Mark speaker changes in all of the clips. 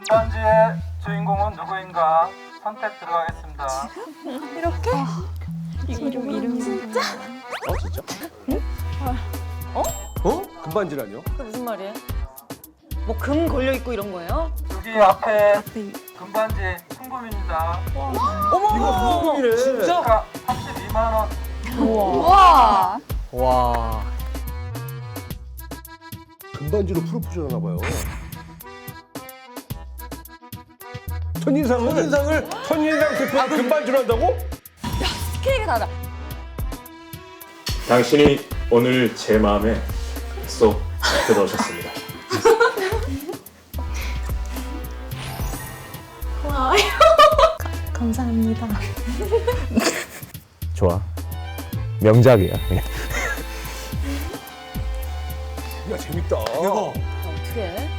Speaker 1: 금반지의 주인공은 누구인가 선택 들어가겠습니다.
Speaker 2: 이렇게?
Speaker 3: 이름이 진짜?
Speaker 4: 진짜? 금반지라뇨?
Speaker 2: 그게 무슨 말이에요? 뭐 금 걸려 있고 이런 거예요?
Speaker 1: 여기 앞에 금반지 순금입니다.
Speaker 2: 어머.
Speaker 4: 이거 무슨 금이래?
Speaker 1: 진짜? 32만 원.
Speaker 3: 와.
Speaker 5: 와.
Speaker 4: 금반지로 프로포즈를 하나 봐요. 첫인상을 대표 금반지로 한다고?
Speaker 2: 스케일이 다르다.
Speaker 6: 당신이 오늘 제 마음에 쏙 들어오셨습니다.
Speaker 3: 감사합니다.
Speaker 5: 좋아. 명작이야.
Speaker 4: 야 재밌다.
Speaker 2: 어떻게 해?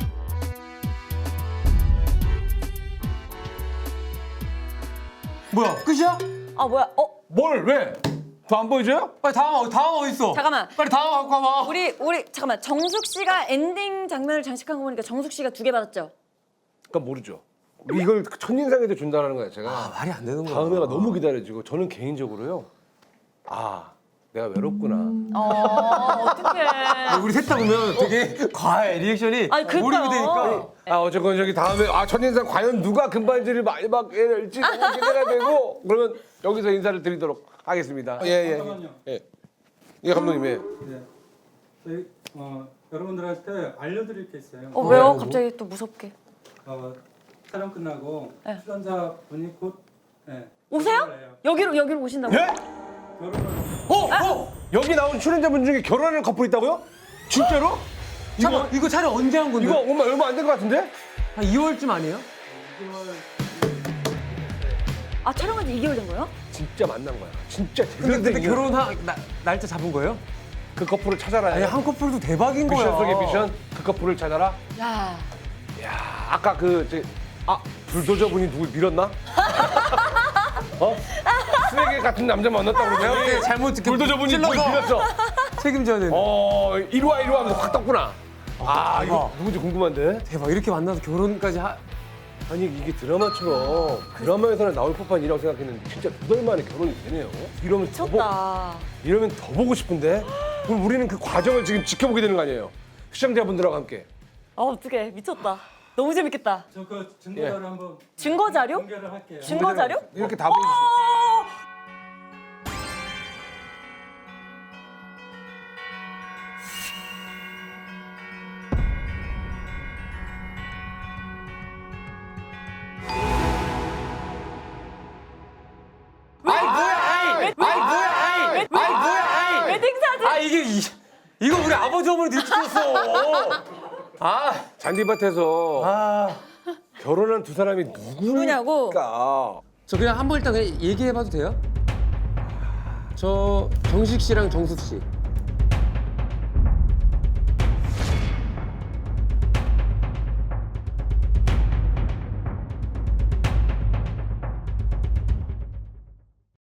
Speaker 7: 뭐야? 끝이야?
Speaker 2: 아 뭐야?
Speaker 4: 뭘 왜? 더 안 보여줘요?
Speaker 7: 빨리 다음 어디 있어?
Speaker 2: 잠깐만.
Speaker 7: 빨리 다음 갖고 와봐.
Speaker 2: 우리 잠깐만. 정숙 씨가 엔딩 장면을 장식한 거 보니까 정숙 씨가 2개 받았죠?
Speaker 4: 그러니까 모르죠. 이걸 첫인상에도 준다는 거야 제가.
Speaker 7: 아, 말이 안 되는 거야.
Speaker 4: 다음에가 너무 기다려지고 저는 개인적으로요. 내가 외롭구나.
Speaker 2: 어떡해.
Speaker 7: 우리 셋 다 보면 되게 과해 리액션이
Speaker 2: 아니, 그러니까요.
Speaker 7: 몰입이 되니까.
Speaker 4: 어쨌건 저기 다음에 첫인상 과연 누가 금반지를 많이 받게 될지 너무 기대가 되고 그러면 여기서 인사를 드리도록 하겠습니다.
Speaker 1: 잠깐만요.
Speaker 4: 예 감독님 예.
Speaker 1: 네. 저희 여러분들한테 알려드릴 게 있어요.
Speaker 2: 왜요? 갑자기 또 무섭게.
Speaker 1: 촬영 끝나고
Speaker 2: 네.
Speaker 1: 출연자 분이 곧
Speaker 2: 오세요?
Speaker 1: 결혼을 해요.
Speaker 2: 여기로 오신다고?
Speaker 4: 예?
Speaker 1: 결혼을
Speaker 4: 여기 나온 출연자분 중에 결혼하는 커플 있다고요? 진짜로?
Speaker 7: 이거 촬영 언제 한 건데?
Speaker 4: 이거 얼마 안 된 것 같은데?
Speaker 7: 한 2월쯤 아니에요?
Speaker 2: 아 촬영한 지 2개월 된 거예요?
Speaker 4: 진짜 만난 거야. 진짜 제대로
Speaker 7: 근데
Speaker 4: 된
Speaker 7: 결혼한 날짜 잡은 거예요?
Speaker 4: 그 커플을 찾아라.
Speaker 7: 아니 한 커플도 대박인 거야.
Speaker 4: 미션 속의 미션 그 커플을 찾아라.
Speaker 2: 야.
Speaker 4: 아까 불도저 분이 누굴 밀었나? 쓰레기 같은 남자 만났다고
Speaker 7: 내가
Speaker 4: 그러지?
Speaker 7: 그때 잘못 듣게
Speaker 4: 불도저 분이 누굴
Speaker 7: 찔러서
Speaker 4: 밀었어.
Speaker 7: 책임져야 되는.
Speaker 4: 이리 와 하면서 확 떴구나. 이거
Speaker 7: 대박.
Speaker 4: 누군지 궁금한데?
Speaker 7: 대박 이렇게 만나서 결혼까지
Speaker 4: 아니 이게 드라마처럼 드라마에서는 나올 법한 일이라고 생각했는데 진짜 2달 만에 결혼이 되네요. 이러면 더 보고 싶은데? 그럼 우리는 그 과정을 지금 지켜보게 되는 거 아니에요? 시청자분들하고 함께.
Speaker 2: 어떡해. 미쳤다. 너무 재밌겠다.
Speaker 1: 저 그 증거자료 한번
Speaker 2: 증거 자료?
Speaker 1: 공개를 할게요.
Speaker 2: 증거 자료?
Speaker 4: 이렇게 다 보여주시죠.
Speaker 2: 웨딩 사진.
Speaker 7: 이거 우리 아버지 어머니 들키셨어.
Speaker 4: 잔디밭에서 결혼한 두 사람이
Speaker 2: 누구냐고?
Speaker 4: 누굴까?
Speaker 7: 저 그냥 한번 일단 얘기해봐도 돼요? 저 정식 씨랑 정숙 씨.